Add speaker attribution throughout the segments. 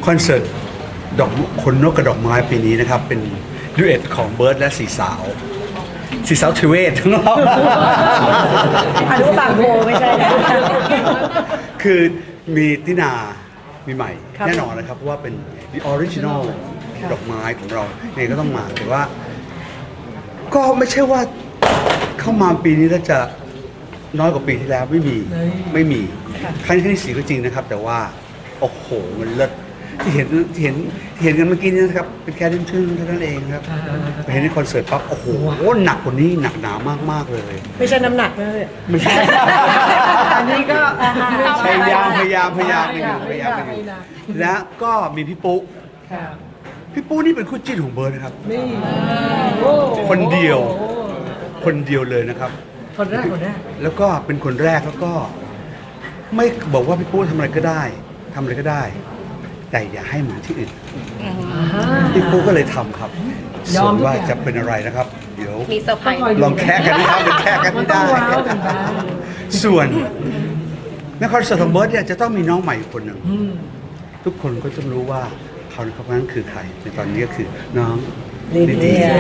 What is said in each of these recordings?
Speaker 1: คอนเสิร์ตดอกคนนกกระดอกไม้ปีนี้นะครับเป็นดูเอทของเบิร์ดและสีสาวทเวศทั้งเรา
Speaker 2: อนุบาลโบไม่ใช่นะ
Speaker 1: คือมีตินามีใหม่
Speaker 2: ครับ
Speaker 1: แน่นอนนะครับเพราะว่าเป็น the original ดอกไม้ของเราเนี่ยก็ต้องมาแต่ว่า ก็ไม่ใช่ว่าเข้ามาปีนี้แล้วจะน้อยกว่าปีที่แล้วไม่มีครั้งที่สี่ก็จริงนะครับ แต่ว่าโอ้โหมันเลิศที่เห็นกันเมื่อกี้นี้นะครับเป็นแค่ชื่นเท่านั้นเองครับไปเห็นในคอนเสิร์ตปั๊บโอ้โหหนักกว่านี้หนักหนามากๆเลย
Speaker 2: ไม่ใช่น้ำหนักนะเลย
Speaker 1: ไม่ใช่
Speaker 2: อันนี้ก็
Speaker 1: พยายามกันอยู่แล้วก็มีพี่ปุ๊พี่ปุ๊นี่เป็นคู่จิ้นของเบิร์ดนะครับ
Speaker 2: นี่
Speaker 1: คนเดียวเลยนะครับ
Speaker 2: คนแรก
Speaker 1: แล้วก็เป็นคนแรกแล้วก็ไม่บอกว่าพี่ปุ๊ทำอะไรก็ได้ แต่อย่าให้เหมือนที่อื่นพี่ปุ๊ก็เลยทำครับส่วนว่าจะเป็นอะไรนะครับ เดี๋ยว
Speaker 3: มีเซอร์ไพรส์
Speaker 1: ลองแค่กันนะครับเป็นแค่กันไม่ได้ ส่วนในคอนเสิร์ตของเบิร์ดเนี่ยจะต้องมีน้องใหม่คนหนึ่งทุกคนก็จะรู้ว่าเขาในคนนั้นคือใครในตอนนี้ก็คือน้องลิเดีย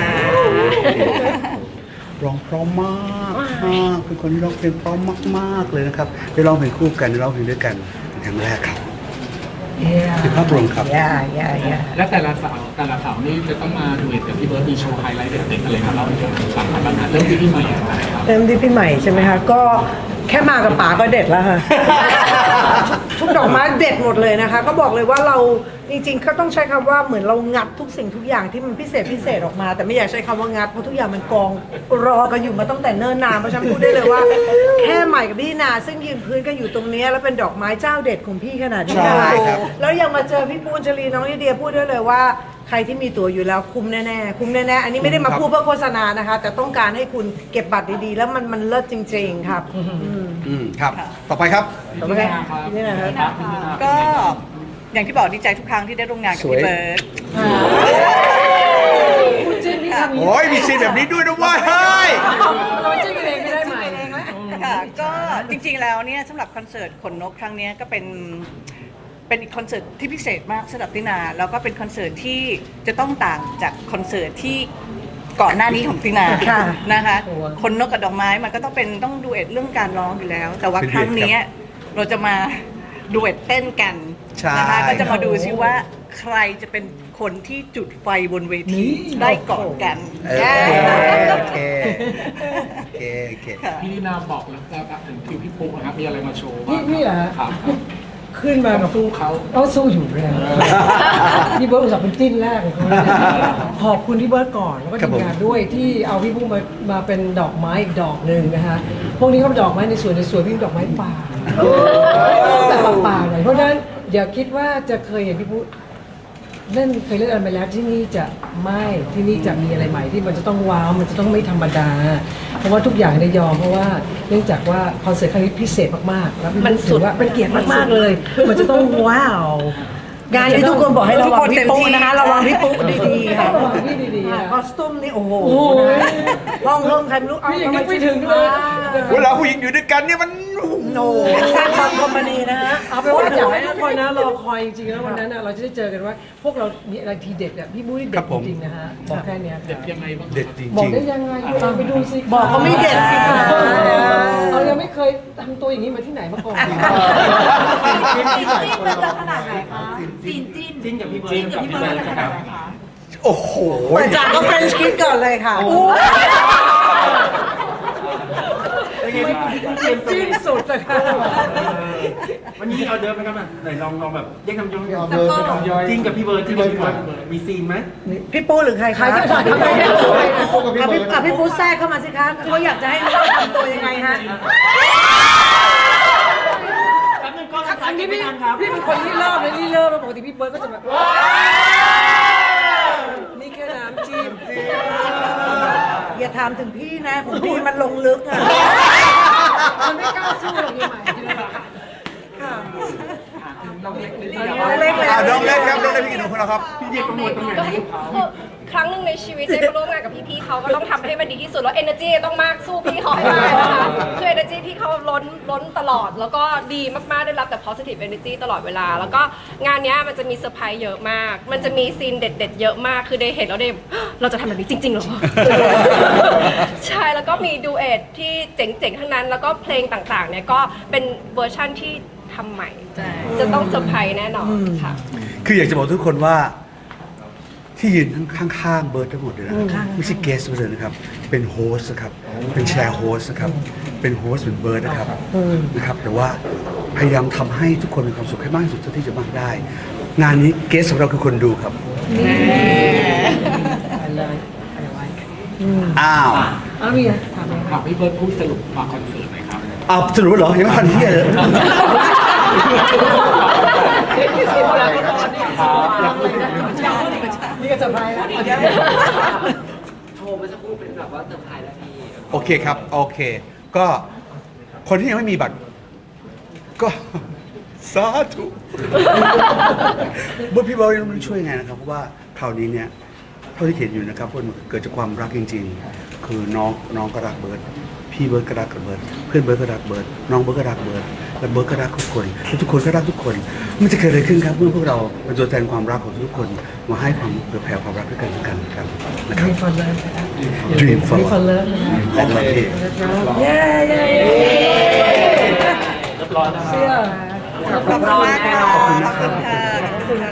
Speaker 1: ร้องเพราะมากเป็นคนที่ร้องเพลงเพราะมากๆเลยนะครับได้ร้องเพลงคู่กันได้ร้องเพลงด้วยกันเป็นครั้งแรกครับเป็นภาพรวมครับ
Speaker 4: และแต่ละสาวนี่จะต้องมาดูเอ็ดกับพี่เบิร์ดมีโชว์ไฮไลท์เด็ดๆอะไรครับเราสั่งมาบ้างนะเริ่มที่พี่ใหม่อะไรครับ
Speaker 2: เริ่มที่พี่ใหม่ใช่ไหมคะก็แค่มากับป๋าก็เด็ดแล้วค่ะ ทุกดอกไม้เด็ดหมดเลยนะคะ ก็บอกเลยว่าเราจริงๆเขาต้องใช้คำว่าเหมือนเรางัดทุกสิ่งทุกอย่างที่มันพิเศษออกมา แต่ไม่อยากใช้คำว่างัดเพราะทุกอย่างมันกองรอกันอยู่มาตั้งแต่เนิ่นนานเพราะฉะนันพูดได้เลยว่า แค่ใหม่กับพี่นาซึ่งยืนพื้นกันอยู่ตรงนี้แล้วเป็นดอกไม้เจ้าเด็ดของพี่ขนาดนี้นะคะ
Speaker 1: ใช่ครับ
Speaker 2: แล้วยังมาเจอพี่ปูนชลีน้องลิเดียพูดได้เลยว่าใครที่มีตั๋วอยู่แล้วคุ้มแน่ๆอันนี้ไม่ได้มาพูดเพื่อโฆษณานะคะ แต่ต้องการให้คุณเก็บบัตรดีๆ แล้วมันเลิศจริงๆครับ
Speaker 1: ครับ ต่อไปครับ
Speaker 2: โอเคนี่นะครับ
Speaker 5: ก็อย่างที่บอกดีใจทุกครั้งที่ได้ร่วมงานกับพี่เบิร์ด
Speaker 1: โอ้ยมีซีนแบบนี้ด้วยนะเว้ยเฮ้ย
Speaker 2: เราจิ้มเองไม่ได้ไหม
Speaker 5: ค่ะก็จริงๆแล้วเนี่ยสำหรับคอนเสิร์ตขนนกครั้งเนี้ยก็เป็นอีกคอนเสิร์ตที่พิเศษมากสำหรับตินาแล้วก็เป็นคอนเสิร์ตที่จะต้องต่างจากคอนเสิร์ตที่ก่อนหน้านี้ของตินานะคะคนนกกับดอกไม้มันก็ต้องดูเอ็ดเรื่องการร้องอยู่แล้ว แต่ว่าครั้งนี้เราจะมาดูเอ็ดเต้นกันนะคะก็จะมาดูซิว่าใครจะเป็นคนที่จุดไฟบนเวทีได้ก่อนกัน
Speaker 1: โอเค
Speaker 4: พี่ลีนาบอกแล้วถึงคิวพี่ปุ๊กนะครับมีอะไรมาโชว์บ้าง
Speaker 6: นี่เหรอ
Speaker 4: ครับ
Speaker 6: ขึ้นมากับ
Speaker 4: สู้เขา
Speaker 6: ต้องสู้อยู่แล้วพี่เบิร์ดอุตส่าห์เป็นจิ้นแรกของเขาขอบคุณพี่เบิร์ดก่อนแล้วก็ทีมงานด้วยที่เอาพี่ปุ๊กมาเป็นดอกไม้อีกดอกหนึ่งนะคะพวกนี้เขาดอกไม้ในสวนพี่ดอกไม้ป่าแต่ป่าหน่อยเพราะฉะนั้นอย่าคิดว่าจะเคยเห็นพี่ปุ๊กเคยเล่นอะไรมาแล้วที่นี่จะไม่ที่นี่จะมีอะไรใหม่ที่มันจะต้องว้าวมันจะต้องไม่ธรรมดา เพราะว่าทุกอย่างได้ยอมเพราะว่าเนื่องจากว่าคอนเสิร์ตครั้งนี้พิเศษมากๆแล้วมันถือว่าเป็นเกียรติมากๆเลย มันจะต้องว้าว
Speaker 2: งานนี้ทุกคนบอกให้ระวังพี่ปุ๊นะคะระวังพี่ปุ๊ดีๆค่ะ
Speaker 6: ระวังพี่ดีๆอะ
Speaker 2: คอสตูมนี่โอ้โหห้องเพิ่มใครไม่รู้เอา
Speaker 6: พี่ยังนึกไม่ถึงเลย
Speaker 1: เวลาผู้หญิงอยู่ด้วยกันเนี่ยมัน
Speaker 2: โนสร้างความคอมพานีนะฮะ
Speaker 6: เอาเป็นว่าอยากให้ทุกคนนะรอคอยจริงๆแล้ววันนั้นน่ะเราจะได้เจอกันว่า พวกเรามีอะไรทีเด็ดอ่ะพี่มุ้ยเด็ดจริงๆนะฮะบอกแค่เนี้ย
Speaker 4: เด็ดยังไงบ้าง
Speaker 1: เด็ดจริง
Speaker 6: บอกได้ยังไงไปดูสิ
Speaker 2: บอกเขาไม่เด็ดสิคะ
Speaker 6: เรายังไม่เคยทำตัวอย่างนี้มาที่ไหนมาก่อน
Speaker 4: จิ้นกับพี่เบิร์ดครับ
Speaker 1: โอ้โห
Speaker 2: เปิดจากก็เฟรนช์คิดก่อนเลยค่ะ
Speaker 6: จิ้นสุดเลยค่ะ
Speaker 7: วันนี้เอาเดิมไหมครับไหนลองแบบแยกคำย่อยจิ้นกับพี่เบิร์ดมีซีนไหม
Speaker 2: พี่ปูหรือใครคะพี่ปูแทรกเข้ามาสิคะเขาอยากจะให้รู้ว่าทำตัวยังไงฮะ
Speaker 6: อันนี้พี่เป็นคนที่เริ่มเลยนี่เริ่มแล้วปกติพี่เบิร์ดก็จะแบบนี่แค่น้ำจิ้ม
Speaker 2: อย่าถามถึงพี่นะของพี่มันลงลึกอ่ะ
Speaker 6: มันไม่กล้าสู้หรอกยังไง
Speaker 4: น้องเล็กนิดเดียว
Speaker 2: น้องเล็กเลย
Speaker 1: น้องเล็กครับน้องเล็กพี่กินของเราครับ
Speaker 7: พี่เดียกังวลตรงไหน
Speaker 3: ครั้งหนึ่งในชีวิตได้มาร่วมงานกับพี่ๆเขาก็ต้องทำให้มันดีที่สุดแล้ว energy ต้องมากสู้พี่เขาให้ได้นะคะคือ energy พี่เขาล้นตลอด แล้วก็ดีมากๆได้รับแต่ positive energy ตลอดเวลา แล้วก็งานเนี้ยมันจะมีเซอร์ไพรส์เยอะมาก มันจะมีซีนเด็ดๆเยอะมากคือได้เห็นแล้วได้เราจะทำแบบนี้จริงๆเหรอ ใช่แล้วก็มีดูเอทที่เจ๋งๆทั้งนั้น แล้วก็เพลงต่างๆเนี่ยก็เป็นเวอร์ชั่นที่ทำใหม่จะต้องเซอร์ไพรส์แน่นอนค่ะ
Speaker 1: คืออยากจะบอกทุกคนว่าที่ยืนข้างๆเบิร์ดทั้งหมดเลยนะครับไม่ใช่เกสต์เลยนะครับ เป็นโฮสต์นะครับ เป็นแชร์โฮสต์นะครับ เป็นโฮสต์เหมือนเบิร์ดนะครับนะครับ แต่ว่าพยายามทำให้ทุกคนมีความสุขให้มากที่สุดเท่าที่จะมากได้ งานนี้เกสต์ของเราคือคนดูครับ อ้าว
Speaker 6: เอามีถามเลย
Speaker 4: ฝากพี่เบิร์ดพูดสรุปฝากคอนเสิร์ตหน่อยครับ
Speaker 1: อ้าวสรุปว่าเหรอ ยังไม่ทันที่เลย
Speaker 6: นี่ก็เซอร์ไพรส์แล้ว
Speaker 8: โทรเมื่อสักครู่เป็นแบบว่าเซอร์ไพรส์แล้วพี่
Speaker 1: โอเคครับ โอเค ก็คนที่ยังไม่มีบัตร ก็ สาธุบุญพี่บอลไม่รู้ช่วยยังไงนะครับ เพราะว่าคราวนี้เนี่ยเท่าที่เห็นอยู่นะครับมันเกิดจากความรักจริงๆ คือน้องก็รักเบิร์ดพี่เบิร์ดก็รักกับเบิร์ดเพื่อนเบิร์ดก็รักเบิร์ดน้องเบิร์ดก็รักเบิร์ดและเบิร์ดก็รักทุกคนและทุกคนก็รักทุกคน มันจะเกิดอะไรขึ้นครับเมื่อพวกเราเป็นตัวแทนความรักของทุกคนมาให้ความเผื่อแผ่ความรักด้วยกันและกันนะครับนะครับ
Speaker 6: มีคนเลิฟ
Speaker 1: Dream
Speaker 6: มี
Speaker 1: for
Speaker 6: คนเลิฟนะครับ
Speaker 1: และประเทศ
Speaker 6: เย้เย้
Speaker 7: เรียบร้อยแล้ว
Speaker 6: เสื้อ
Speaker 5: ขอบคุณมากค่ะขอบคุณค่ะ